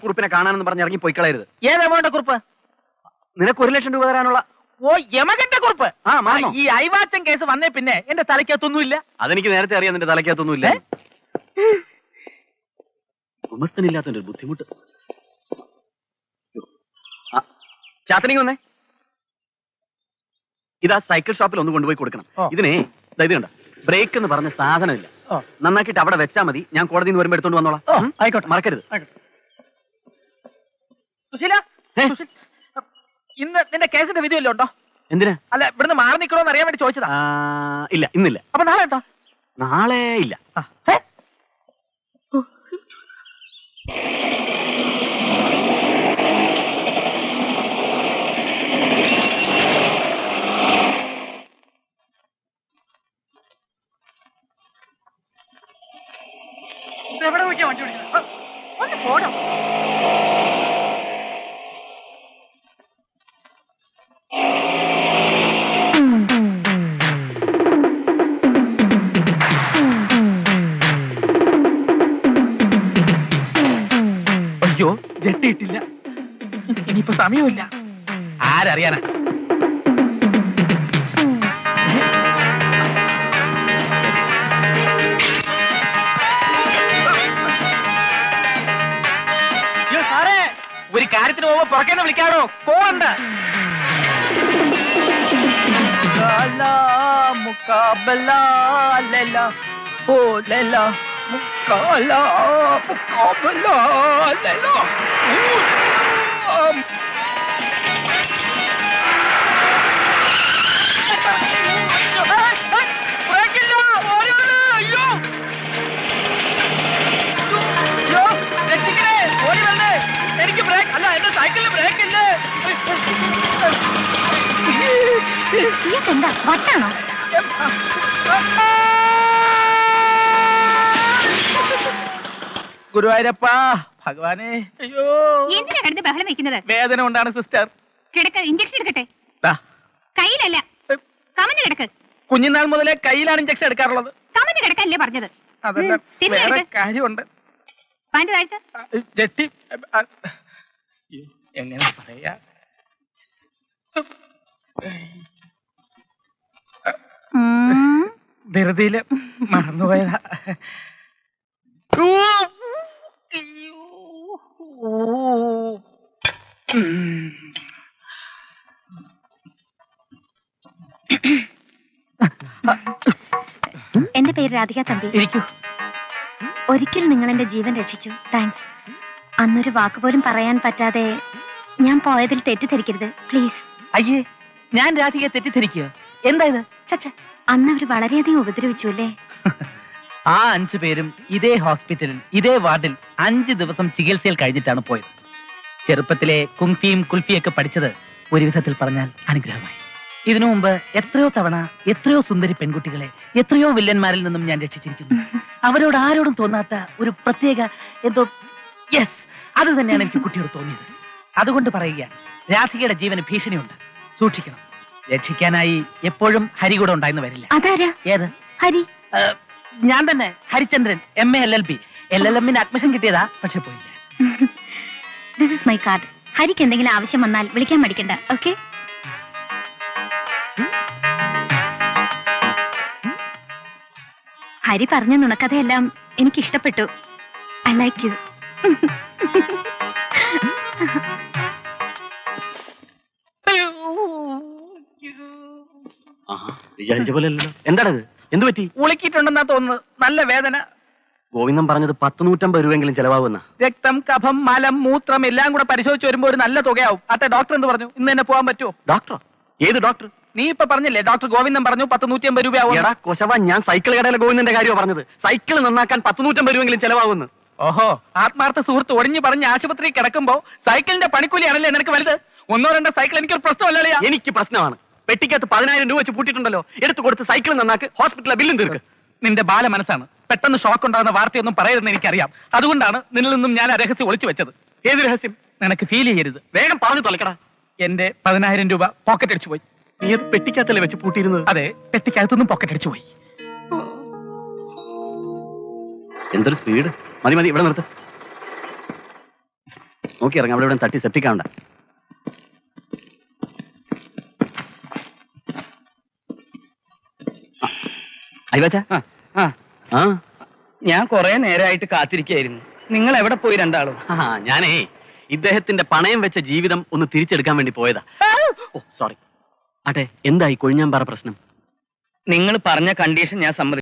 കുറിപ്പിനെ കാണാനെന്ന് പറഞ്ഞ് ഇറങ്ങി പോയി കളയരുത്. ഏത് എമൗണ്ട് കുറിപ്പ്? നിനക്ക് 1 ലക്ഷം രൂപ തരാനുള്ള. ഓ യമകന്റെ കുറിപ്പ്. ആ മാറണോ? ഈ അയവാച്ചൻ കേസ് വന്നേ പിന്നെ എന്റെ തലയ്ക്കകത്തൊന്നുമില്ല. അതെനിക്ക് നേരത്തെ അറിയാം, നിന്റെ തലയ്ക്കകത്തൊന്നുമില്ല. ഉമസ്തനില്ലാത്തതിന്റെ ഒരു ബുദ്ധിമുട്ട്. ചാത്തനിങ് വന്നേ. ഇതാ സൈക്കിൾ ഷോപ്പിൽ ഒന്ന് കൊണ്ടുപോയി കൊടുക്കണം. ഇതിനെ ഇത് കണ്ട ബ്രേക്ക് എന്ന് പറഞ്ഞ സാധനമില്ല. നന്നാക്കിയിട്ട് അവിടെ വെച്ചാൽ മതി. ഞാൻ കോടതിയിൽ നിന്ന് വരുമ്പോൾ എടുത്തോണ്ട് വന്നോളാം. ആയിക്കോട്ടെ, മറക്കരുത്. സുശീല, ഇന്ന് നിന്റെ കേസിന്റെ വിധി വല്ലതും ഉണ്ടോ? എന്തിനാ? അല്ല, ഇവിടുന്ന് മാറി നിൽക്കണോന്ന് അറിയാൻ വേണ്ടി ചോദിച്ചതാ. ഇല്ല, ഇന്നില്ല. അപ്പൊ നാളെ ഉണ്ടോ? നാളെ ഇല്ല. എവിടെ നോക്കിയാ വണ്ടി ഓടിക്കുന്നത്? ഒന്ന് പോടോ. അയ്യോ, ജെട്ടിയിട്ടില്ല. ഇനിയിപ്പോ സമയമില്ല. ആരറിയാനാ? ഒരു കാര്യത്തിന് പോകുമ്പോ പുറക്കേന്ന് വിളിക്കാടോ. പോവണ്ട. എനിക്ക് ബ്രേക്ക് അല്ല, എന്റെ സൈക്കിളിന് ബ്രേക്ക് ഇല്ലേ? എന്താ വട്ടാണോ? ഗുരുവായൂരപ്പ ഭഗവാനെ. അയ്യോ, എന്തിനാ കിടന്ന് ബഹളം വെക്കുന്നത്? വേദന കൊണ്ടാണ് സിസ്റ്റർ. കിടക്ക്, ഇഞ്ചക്ഷൻ എടുക്കട്ടെ. കയ്യിലല്ല, കമന്ന് കിടക്ക്. കുഞ്ഞുനാൾ മുതലേ കയ്യിലാണ് ഇഞ്ചക്ഷൻ എടുക്കാറുള്ളത്. കമന്ന് കിടക്കല്ലേ പറഞ്ഞത്? അതല്ല, വേറെ കാര്യമുണ്ട്. പാൻറ് താഴ്ത്ത. ജെട്ടി എങ്ങനെ പറയാ? ധൃതിയില് മറന്നുപോയതാ. എന്റെ പേര് രാധിക തമ്പി. ഇരിക്കൂ. ഒരിക്കൽ നിങ്ങൾ എന്റെ ജീവൻ രക്ഷിച്ചു. താങ്ക്സ്. അന്നൊരു വാക്ക് പോലും പറയാൻ പറ്റാതെ ഞാൻ പോയതിൽ തെറ്റിദ്ധരിക്കരുത് പ്ലീസ്. അയ്യേ, ഞാൻ രാധികയെ തെറ്റിദ്ധരിക്കുക? എന്തായത്? അന്ന് അവർ വളരെയധികം ഉപദ്രവിച്ചു അല്ലേ? ആ 5 പേരും ഇതേ ഹോസ്പിറ്റലിൽ ഇതേ വാർഡിൽ 5 ദിവസം ചികിത്സയിൽ കഴിഞ്ഞിട്ടാണ് പോയത്. ചെറുപ്പത്തിലെ കുങ്ഫിയും കുൽഫിയൊക്കെ പഠിച്ചത് ഒരു വിധത്തിൽ പറഞ്ഞാൽ അനുഗ്രഹമായി. ഇതിനു മുമ്പ് എത്രയോ തവണ എത്രയോ സുന്ദരി പെൺകുട്ടികളെ എത്രയോ വില്ലന്മാരിൽ നിന്നും ഞാൻ രക്ഷിച്ചിരിക്കുന്നു. അവരോട് ആരോടും തോന്നാത്ത ഒരു പ്രത്യേക എന്തോ, യെസ്, അത് തന്നെയാണ് എനിക്ക് കുട്ടിയോട് തോന്നിയത്. അതുകൊണ്ട് പറയുക, രാധികയുടെ ജീവന് ഭീഷണിയുണ്ട്, സൂക്ഷിക്കണം. രക്ഷിക്കാനായി എപ്പോഴും ഹരി കൂടെ ഉണ്ടായിരുന്നു വരില്ല. അതാരാ? ഏത് ഹരി? ഞാൻ തന്നെ, Harichandran. MA LLB. LLM admission കിട്ടിയതാ, പക്ഷെ പോയില്ല. This is my card. ഹരിക്ക് എന്തെങ്കിലും ആവശ്യം വന്നാൽ വിളിക്കാൻ മടിക്കണ്ട. ഓക്കെ? ഹരി പറഞ്ഞ നുണക്കഥയെല്ലാം എനിക്ക് ഇഷ്ടപ്പെട്ടു. I like you. വിചാരിച്ച പോലെ അല്ലല്ലോ. എന്താണത്? എന്ത് പറ്റി? ഉളുക്കിയിട്ടുണ്ടെന്നാ തോന്നുന്നത്. നല്ല വേദന. ഗോവിന്ദൻ പറഞ്ഞത് 100-150 രൂപയെങ്കിലും ചെലവാകുന്ന. രക്തം, കഫം, മലം, മൂത്രം എല്ലാം കൂടെ പരിശോധിച്ച് വരുമ്പോ ഒരു നല്ല തുകയാവും. അട്ടെ, ഡോക്ടർ എന്ത് പറഞ്ഞു? ഇന്ന് തന്നെ പോകാൻ പറ്റുമോ? ഡോക്ടറോ? ഏത് ഡോക്ടർ? നീ ഇപ്പൊ പറഞ്ഞില്ലേ, ഡോക്ടർ ഗോവിന്ദൻ പറഞ്ഞു 100-150 രൂപയാവും. എടാ കൊശവ, ഞാൻ സൈക്കിൾ കടയിലെ ഗോവിന്ദന്റെ കാര്യമാണ് പറഞ്ഞത്. സൈക്കിൾ നന്നാക്കാൻ 100-150 രൂപയെങ്കിലും ചെലവാകുന്നു. ഓഹോ, ആത്മാർത്ഥ സുഹൃത്ത് ഒഴിഞ്ഞു പറഞ്ഞ് ആശുപത്രി കിടക്കുമ്പോ സൈക്കിളിന്റെ പണിക്കൂലിയാണല്ലേ നിനക്ക് വലുത്? 1-2 സൈക്കിൾ എനിക്കൊരു പ്രശ്നമല്ലേ? എനിക്ക് പ്രശ്നമാണ്. പെട്ടിക്കകത്ത് 10,000 രൂപ വെച്ച് പൂട്ടിയിട്ടുണ്ടല്ലോ. എടുത്തു കൊടുത്ത് സൈക്കിൾ നന്നാക്ക്, ഹോസ്പിറ്റലിലെ ബില്ലും തീർക്ക്. നിന്റെ ബാല മനസ്സാണ്. പെട്ടെന്ന് ഷോക്ക് ഉണ്ടാകുന്ന വാർത്തയൊന്നും പറയരുതെന്ന് എനിക്കറിയാം. അതുകൊണ്ടാണ് നിന്നിൽ നിന്നും ഞാൻ ആ രഹസ്യം ഒളിച്ചു വെച്ചത്. ഏത് രഹസ്യം? നിനക്ക് ഫീൽ ചെയ്യരുത്. വേഗം പറഞ്ഞു തൊലക്കടാ. എന്റെ 10,000 രൂപ പോക്കറ്റ് അടിച്ചു പോയി. നീ അത് പെട്ടിക്കകത്തല്ലേ വെച്ച് പൂട്ടിയിരുന്നത്? അതെ, പെട്ടിക്കകത്തൊന്നും പോക്കറ്റ് അടിച്ചു പോയി. എന്തൊരു സ്പീഡ്! മതി മതി, ഇവിടെ നിർത്ത്. നോക്കി ഇറങ്ങാം, അവിടെ ഇവിടെ തട്ടി സെപ്റ്റിക്കാവണ്ട. അയ്യവാച്ച, ആ ഞാൻ കുറെ നേരമായിട്ട് കാത്തിരിക്കായിരുന്നു. നിങ്ങൾ എവിടെ പോയി രണ്ടാളും? ഞാനേ ഇദ്ദേഹത്തിന്റെ പണയം വെച്ച ജീവിതം ഒന്ന് തിരിച്ചെടുക്കാൻ വേണ്ടി പോയതാ. Oh sorry. ആട്ടെ, എന്തായി കൊഴിഞ്ഞാമ്പാറ പ്രശ്നം? നിങ്ങൾ പറഞ്ഞ കണ്ടീഷൻ ഞാൻ സമ്മതിച്ചു.